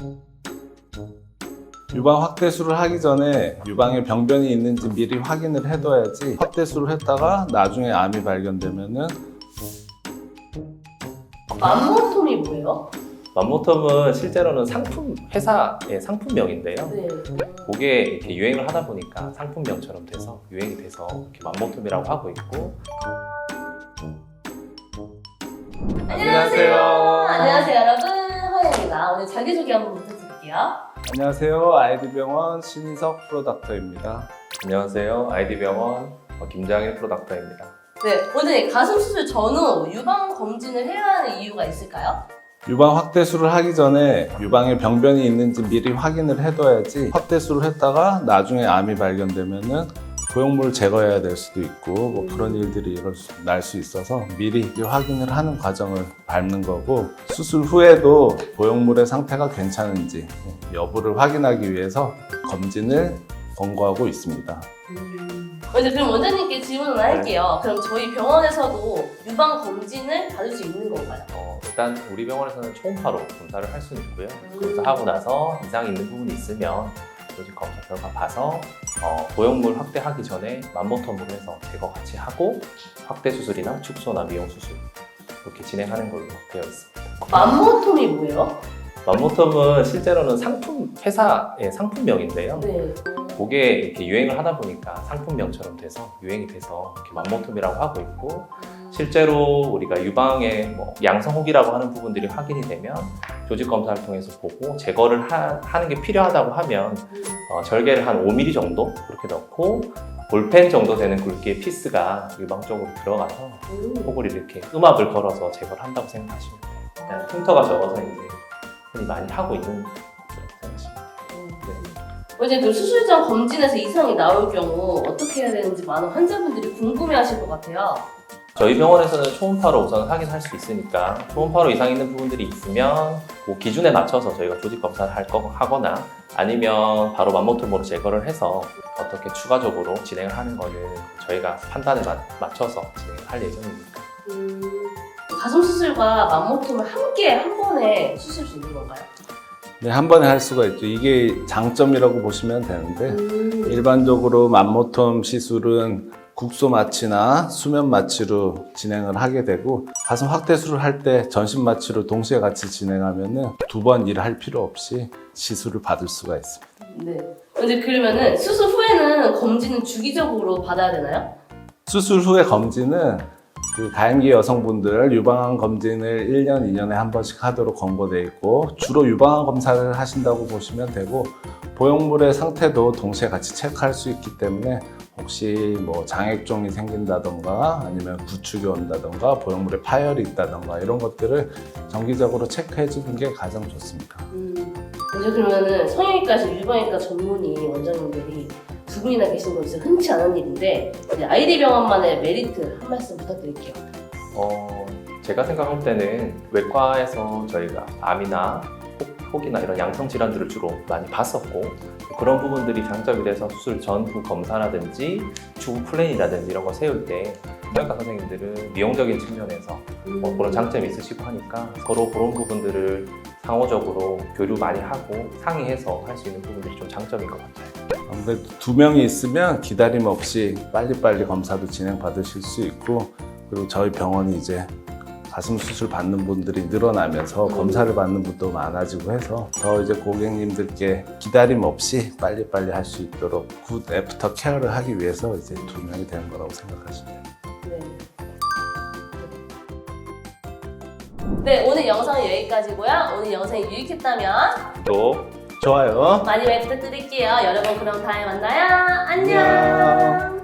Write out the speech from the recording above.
유방 확대술을 하기 전에 유방에 병변이 있는지 미리 확인을 해둬야지 확대술을 했다가 나중에 암이 발견되면은 맘모톰이 뭐예요? 맘모톰은 실제로는 회사의 상품명인데요. 네. 그게 이렇게 유행을 하다 보니까 상품명처럼 돼서 유행이 돼서 이렇게 맘모톰이라고 하고 있고. 안녕하세요. 안녕하세요, 여러분. 허연입니다. 오늘 자기소개 한번 부탁드릴게요. 안녕하세요. 아이디병원 신인석 프로닥터입니다. 안녕하세요. 아이디병원 김장일 프로닥터입니다. 네, 오늘 가슴 수술 전후 유방 검진을 해야 하는 이유가 있을까요? 유방 확대술을 하기 전에 유방에 병변이 있는지 미리 확인을 해둬야지 확대술을 했다가 나중에 암이 발견되면은 보형물을 제거해야 될 수도 있고 뭐 그런 일들이 날 수 있어서 미리 확인을 하는 과정을 밟는 거고, 수술 후에도 보형물의 상태가 괜찮은지 여부를 확인하기 위해서 검진을 권고하고 있습니다. 이제 그럼 원장님께 질문을 할게요. 그럼 저희 병원에서도 유방 검진을 받을 수 있는 건가요? 일단 우리 병원에서는 초음파로 검사를 할 수는 있고요. 검사하고 나서 이상이 있는 부분이 있으면 조직 검사 결과 봐서 보형물 확대하기 전에 맘모톰으로 해서 제거 같이 하고 확대 수술이나 축소나 미용 수술 이렇게 진행하는 걸로 되어 있습니다. 맘모톰이 뭐예요? 맘모톰은 실제로는 회사의 상품명인데요. 네. 그게 이렇게 유행을 하다 보니까 상품명처럼 돼서 유행이 돼서 이렇게 맘모톰이라고 하고 있고, 실제로 우리가 유방의 양성혹이라고 하는 부분들이 확인이 되면 조직 검사를 통해서 보고 제거를 하는 게 필요하다고 하면 절개를 한 5mm 정도 그렇게 넣고 볼펜 정도 되는 굵기의 피스가 유방 쪽으로 들어가서 혹을 이렇게 음압을 걸어서 제거를 한다고 생각하시면 돼요. 흉터가 적어서 이제 흔히 많이 하고 있는 것이라고 생각하시면 돼요. 이제 그 수술 전 검진에서 이상이 나올 경우 어떻게 해야 되는지 많은 환자분들이 궁금해하실 것 같아요. 저희 병원에서는 초음파로 우선 확인할 수 있으니까 초음파로 이상 있는 부분들이 있으면 그 기준에 맞춰서 저희가 조직 검사를 하거나 아니면 바로 맘모톰으로 제거를 해서 어떻게 추가적으로 진행을 하는 거는 저희가 판단에 맞춰서 진행을 할 예정이니까. 가슴 수술과 맘모톰을 함께 한 번에 수술 수 있는 건가요? 네, 한 번에 할 수가 있죠. 이게 장점이라고 보시면 되는데, 일반적으로 맘모톰 시술은 국소 마취나 수면 마취로 진행을 하게 되고, 가슴 확대술을 할 때 전신 마취로 동시에 같이 진행하면은 두 번 일을 할 필요 없이 시술을 받을 수가 있습니다. 네. 이제 그러면은 수술 후에는 검진은 주기적으로 받아야 되나요? 수술 후의 검진은 가임기 여성분들 유방암 검진을 1년, 2년에 한 번씩 하도록 권고되어 있고, 주로 유방암 검사를 하신다고 보시면 되고, 보형물의 상태도 동시에 같이 체크할 수 있기 때문에 혹시 장액종이 생긴다던가 아니면 구축이 온다던가 보형물에 파열이 있다던가 이런 것들을 정기적으로 체크해 주는 게 가장 좋습니다. 이제 그러면은 성형외과에서 유방외과 전문의 원장님들이 두 분이나 계신 건 진짜 흔치 않은 일인데, 이제 아이디병원만의 메리트 한 말씀 부탁드릴게요. 제가 생각할 때는 외과에서 저희가 암이나 혹이나 이런 양성 질환들을 주로 많이 봤었고, 그런 부분들이 장점이 돼서 수술 전후 검사라든지 추후 플랜이라든지 이런 거 세울 때 성형외과 선생님들은 미용적인 측면에서 그런 장점이 있으시고 하니까 서로 그런 부분들을 상호적으로 교류 많이 하고 상의해서 할 수 있는 부분들이 좀 장점인 것 같아요. 아무래도 두 명이 있으면 기다림 없이 빨리빨리 검사도 진행 받으실 수 있고, 그리고 저희 병원이 이제 가슴 수술 받는 분들이 늘어나면서 검사를 받는 분도 많아지고 해서 더 이제 고객님들께 기다림 없이 빨리빨리 할 수 있도록 굿 애프터 케어를 하기 위해서 이제 두 명이 되는 거라고 생각하시면 돼요. 네, 오늘 영상은 여기까지고요. 오늘 영상이 유익했다면 또 좋아요. 많이 부탁드릴게요. 여러분 그럼 다음에 만나요. 안녕.